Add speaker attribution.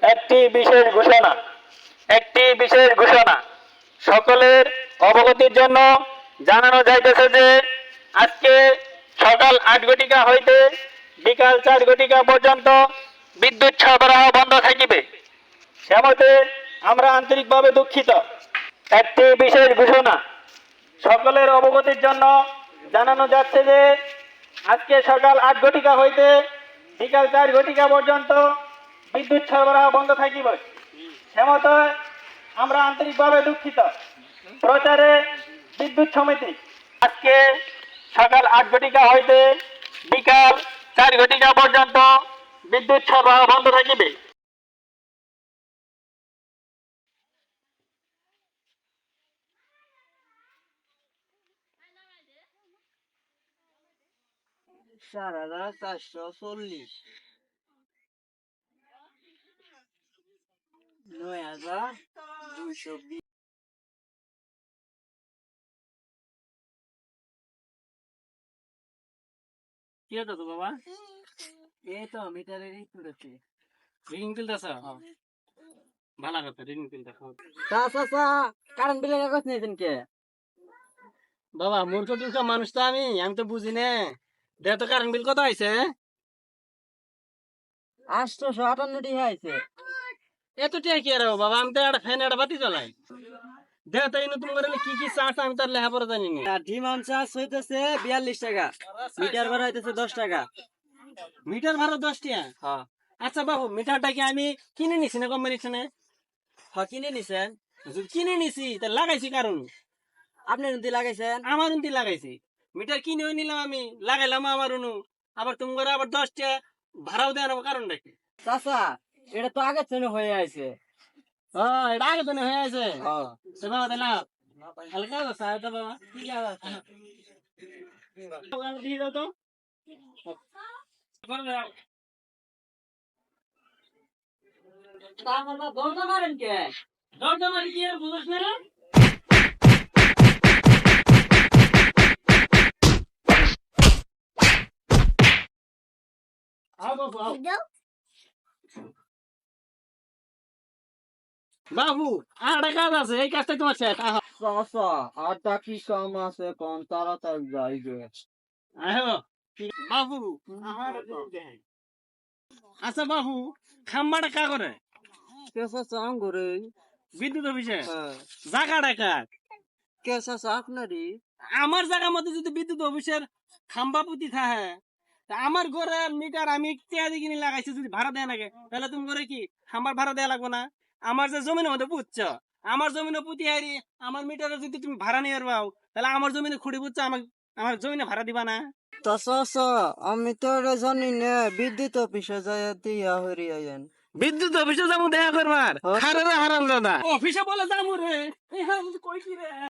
Speaker 1: একটি বিশেষ ঘোষণা সকলের অবগতির জন্য জানানো যাইতেছে যে আজকে সকাল ৮ ঘটিকা হইতে বিকাল ৪ ঘটিকা পর্যন্ত বিদ্যুৎ সরবরাহ বন্ধ থাকিবে। সেমতে আমরা আন্তরিকভাবে দুঃখিত। একটি বিশেষ ঘোষণা সকলের অবগতির জন্য জানানো যাচ্ছে যে আজকে সকাল ৮ ঘটিকা হইতে বিকাল ৪ ঘটিকা পর্যন্ত বিদ্যুৎ সরবরাহ বন্ধ থাকিবে। সেমতে আমরা আন্তরিকভাবে দুঃখিত। প্রচারে বিদ্যুৎ সমিতি আজকে সকাল ৮ ঘটিকা হইতে বিকাল ৪ ঘটিকা পর্যন্ত বিদ্যুৎ সরবরাহ বন্ধ থাকিবে।
Speaker 2: সারারা ৪৪০ ৯,২২০।
Speaker 1: কি হতো তো বাবা?
Speaker 2: এই তো মিটারের ই তুলেছি।
Speaker 1: রিডিং তুলতেছ? ভালো কথা, রিডিং তুলতেছ।
Speaker 2: কারেন্ট বিলের কাগজ নিয়েছেন কে?
Speaker 1: বাবা মূর্খ টুর্খ মানুষ তো আমি তো বুঝি না। দেখ তো কারেন্ট বিল কত আইছে?
Speaker 2: ৮৫৮টি হয়েছে।
Speaker 1: এত টাকা কি আর বাবা, আমি তো একটা ফ্যান একটা বাতি জ্বলাই। দেখ তো এই নতুন করে কি কি চার্জ আমি তার লেখাপড়া জানি না।
Speaker 2: ডিমান্ড চার্জ হইতেছে ৪২ টাকা, মিটার ভাড়া হইতেছে ১০ টাকা।
Speaker 1: মিটার ভাড়া ১০ টাকা?
Speaker 2: হ্যাঁ
Speaker 1: আচ্ছা বাবু, মিটারটা কি আমি কিনে নিছি না কোম্পানি থেকে?
Speaker 2: হ্যাঁ, কিনে নিছেন?
Speaker 1: যদি কিনে নিছি তা লাগাইছি কারণ
Speaker 2: আপনি নদী লাগাইছেন?
Speaker 1: আমার উন্তি লাগাইছি। মিটার কিনে নিলাম আমি, লাগাইলাম আমার উনু, আবার তুমি করে আবার ১০ টাকা ভাড়াও দেওয়ার কারণটা কি?
Speaker 2: চাচা, এটা তো আগের জন্য হয়ে আছে।
Speaker 1: এটা আগে তো হয়ে আছে।
Speaker 2: হ্যাঁ
Speaker 1: তো বাবা তাই না হালকা আছে তো বাবা, ঠিক আছে দিয়ে দাও তো।
Speaker 2: দরজা মারেন কে?
Speaker 1: দরজা মারি কি আর বুঝছ না? আও বাবু আও। বাবু আর একটা কাজ আছে, এই কাজটা তোমার শেষ।
Speaker 2: চাচা, আরটা কি কাম আছে কোন? তাড়াতাড়ি যাই গে।
Speaker 1: আহ বাবু আমার আচ্ছা বাবু, খাম্বাটা কা করে?
Speaker 2: কে চাচা আঙ্গুরে?
Speaker 1: বিদ্যুৎ অফিসে
Speaker 2: হ্যাঁ।
Speaker 1: জায়গাটা কার?
Speaker 2: কে চাচা আপনারই?
Speaker 1: আমার জায়গার মধ্যে যদি বিদ্যুৎ অফিসের খাম্বা পুতি থাকে, তা আমার ঘরে মিটার আমি টেয়া দিয়ে কিনে লাগাইছি, যদি ভাড়া দেয় নাকি তাহলে তুমি করে কি খাম্বার ভাড়া দেয়া লাগবে না? আমার যে জমিনের মধ্যে পুতছ, আমার জমিনে পুতি হারি আমার মিটারে যদি তুমি ভাড়া নিয়ে পাও, তাহলে আমার জমিনে খুঁড়ি পুতছ, আমার জমিনে ভাড়া দিবা না?
Speaker 2: তা চাচা, আমি তো এটা জানি না, বিদ্যুৎ অফিসে যাই দিয়া হরি আইন।
Speaker 1: বিদ্যুৎ অফিসে যাবো দেখা করবার?
Speaker 2: হ্যাঁ।
Speaker 1: হারাম দাদা অফিসে বলে যাবো রে, কই কি রে?